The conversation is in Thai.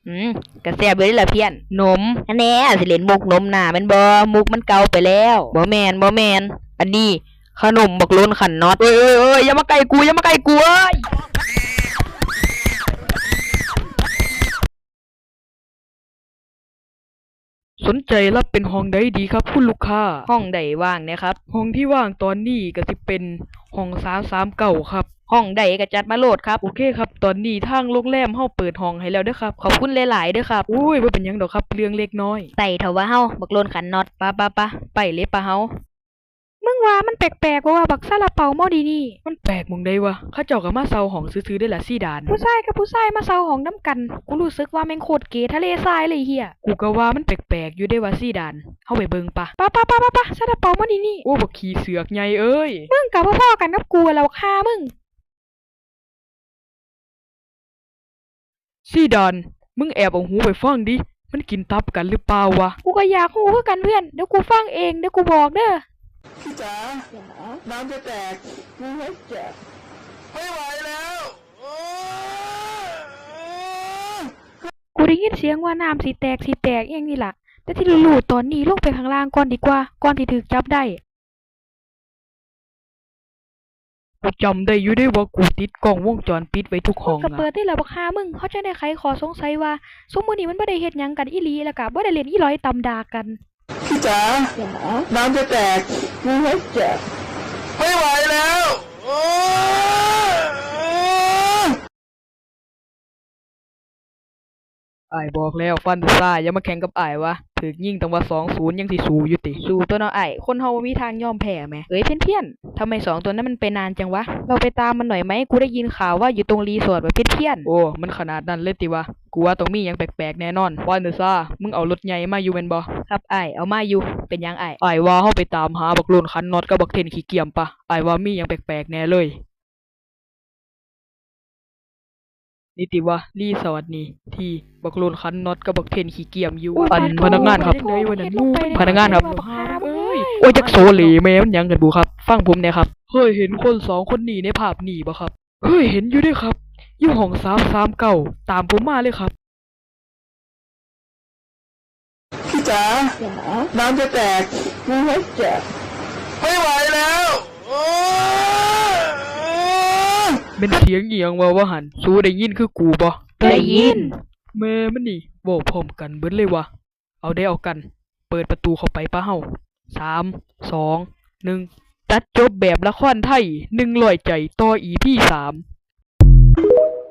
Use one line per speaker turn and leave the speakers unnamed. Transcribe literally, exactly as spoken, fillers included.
อืมกระแซบเลยล่ะเพี้ยนนมอันแน่สิเล่นมุกนมหน้าแม่นบ่มุกมันเก่าไปแล้วบ่แม่นบ่แม่นอันนี้ขนมบักโลนขันน็อตเอ้ยเอ้ยเอ้ยอย่ามาใกล้กูอย่ามาใกล้กูเอ้ย
สนใจรับเป็นห้องใดดีครับคุณลูกค้า
ห้องใดว่างเนี่ยครับ
ห้องที่ว่างตอนนี้ก็สิเป็นห้องสามสามเก้าครับ
ห้องใดก็จัดมาโหลดครับ
โอเคครับตอนนี้ทางโรงแรมเฮาเปิดห้องให้แล้วเด้อครับ
ขอบคุณหลายๆเด้อครับ
โอ้ยบ่เป็นหยังดอกครับเรื่องเล็กน้อย
ใส่เถาว่าเฮาบักโลนขันน็อตปะปะปะไปเลยปะเฮามึงว่ามันแปลกๆว่าบักซาลาเปาหม้อดีนี่
มันแปลกหม่องใดวะเขาเจ้าก็มาเซาห้องซื่อๆได้ล่ะซี่ดาน
ผู้ชายกับผู้ชายมาเซาห้องนำกันกูรู้สึกว่าแม่งโคตรเก๋ทะเลทรายเลยเฮีย
กูก็ว่ามันแปลกๆอยู่ได้ว่าซี่ดานเฮาไปเบิ่งปะ
ปะปะปะปะปะซาลาเปาหม้อดีนี่
โอ้บักขี้เสือกใหญ่เอ้ย
มึงกับพ่อๆกันกับกูแล้วฆ่ามึง
ซี่ดานมึงแอบเอาหูไปฟังดิมันกินตับกันหรือเปล่าวะ
กูก็อยากฮู้คือกันเพื่อนเดี๋ยวกูฟังเองเดี๋ยวกูบอกเด้อ
พี่จ๋าน้ำจะแตกกูไม่แจกไม่ไหวแล้ว
กูได้ยินเสียงว่าน้ำสิแตกสิแตกอหยังนี่ล่ะแต่ที่รู้ๆตอนนี้ลงไปข้างล่างก่อนดีกว่าก่อนที่ถูกจับได้
กูจำได้อยู่ได้ว่ากูติดกล้องวงจรปิดไว้ทุกห้อง
ก็
นะ
เปิดได้แล้วบักห่ามึงเขาจะได้ไขข้อสงสัยว่าซุมื้อนี้มันบ่ได้เฮ็ดหยังกันอีหลีแล้วก็บ่ได้เล่นอีหลอยตำดากัน
พี่จ๋าน้ำจะแตกกูไม่แจกไม่ไหวแล้ว
อ้ายบอกแล้วฟันซ่าอย่ามาแข่งกับอ้ายวะถึกยิงตั้งว่า สองศูนย์ ยังสิสู้อยู่ติ
สู้ตัวเนาะอ้ายคนเฮาบ่มีทางยอมแพ้แหมเอ้ยเพี้ยนๆทำไมสองตัวนั้นมันไปนานจังวะเราไปตามมันหน่อยไหมกูได้ยินข่าวว่าอยู่ตรงรีสอร์ทว่าเพี้ยน
ๆโอ้มันขนาดนั้นเลยติวะกูว่าต้องมีหยังแปลกๆแน่นอนฟันซ่ามึงเอารถใหญ่มาอยู่แม่นบ่
ครับอ้ายเอามาอยู่เป็นหยังอ้าย
อ้ายว่าเฮาไปตามหาบักโลนคันน็อตกับบักเทนขี้เกียจปะอ้ายว่ามีหยังแปลกๆแน่เลยนี่ติวะรีสอร์ทนี่ที่บักโลนคันน็อตกับบักเทนขี้เกียจอยู่อันพนักงานครับพนักงานครับเอ้ยโอ้ยจักโซเหลแม่มันหยังกันบุครับฟังผมแน่ครับเฮ้ยเห็นคนสองคนนี้ในภาพนี่บ่ครับเฮ้ยเห็นอยู่ด้วยครับอยู่ห้องสามสามเก้าตามผมมาเลยครับ
พี่จ๋าน้ำจะแตกกูไม่แจกไม่ไหวแล้ว
เป็นเสียงเอียงว่าว่าหันสู้ได้ยินคือกูบ่
ได้ยิน
แม่มันนี่เว้าพร้อมกันเบิดเลยวะเอาได้เอากันเปิดประตูเข้าไปปะเฮาสาม สอง หนึ่งตัดจบแบบละครไทยหนึ่งร้อยใจต่อ อี พี สาม